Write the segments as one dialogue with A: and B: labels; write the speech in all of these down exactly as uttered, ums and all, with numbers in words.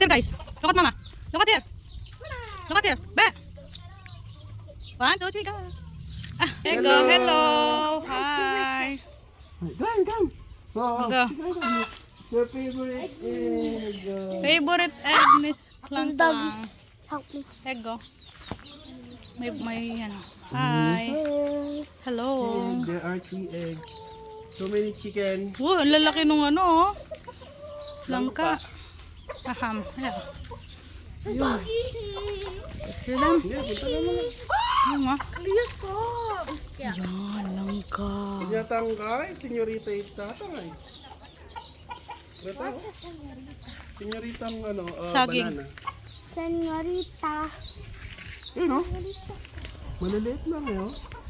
A: here guys. Look at mama. Look at here. Look at here. Be. One, two, three, go. Ah, there you go. Hello. Hi.
B: Come, come. Oh,
A: Go.
B: your favorite egg.
A: Favorite egg, Miss Lang Lang.
C: Help me.
A: Egg go. May, may, ano. Hi. Hello.
B: And there are three eggs. So many chicken.
A: Oh, ang lalaki nung ano, oh. Langka. Aham. Ayan. Ayun. See them?
B: Yeah, punta naman.
A: Ayun nga.
C: Please stop.
A: Yan, langka.
B: Tinatangkay, senyorita itatangay. Ito, senyoritang ano, uh,
A: Saging.
B: banana.
C: Senorita.
B: Yun o. Maliliit lang yun.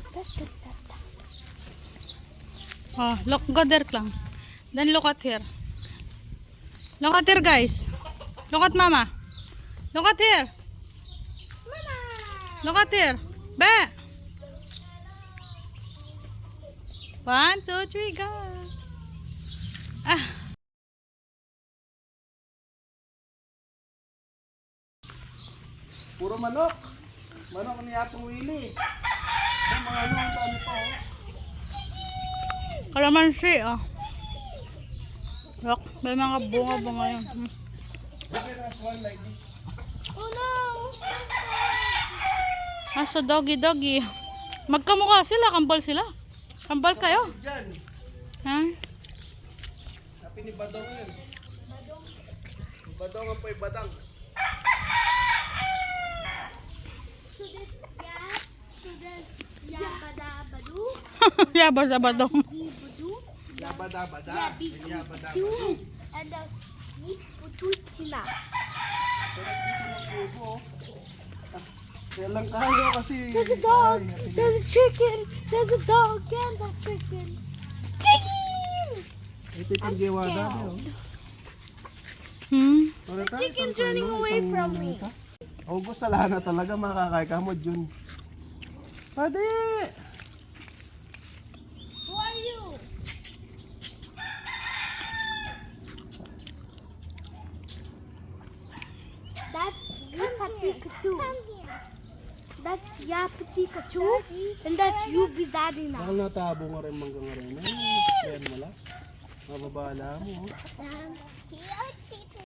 A: Oh, look, go there lang. Then look at here. Look at here, guys. Look at mama. Look at here.
C: Mama.
A: Look at here. Be. One, two, three, go. Ah.
B: Puro manok. Manok ni Atong Willie. Ang mga ano, ang dami pa oh.
A: Kalamansi, oh. Look, may mga bunga-bunga yun. Hmm.
B: You can have one like this.
C: Oh no.
A: Ah, so doggy, doggy. Magkamukha sila, kambal sila. Kambal kayo.
B: Diyan.
A: Ha?
B: Sabi ni Badong yun. Badong ang po'y badang.
C: So this yeah. So this yabadabadu.
A: Yabar sa badong.
C: Ibudu.
B: Yabada-bada.
C: Yabidu.
B: Yabada-bada.
C: Two. And the ibututina.
B: Pero dito ng bubo. Kaya lang kayo kasi.
C: There's a dog.
B: Ay,
C: There's a chicken. There's a dog and a chicken. Chicken.
B: ito yung giwada.
A: Hmm?
C: The chicken's running away from me.
B: August sa na talaga makakay ka mo June. Pwede!
C: Who are you? That's Yapatikachu. That's Yapatikachu. And that's Yubidadina.
B: Baka natabo nga rin manggang rin. Ay, friend mo lang. Mababala mo.
C: Um,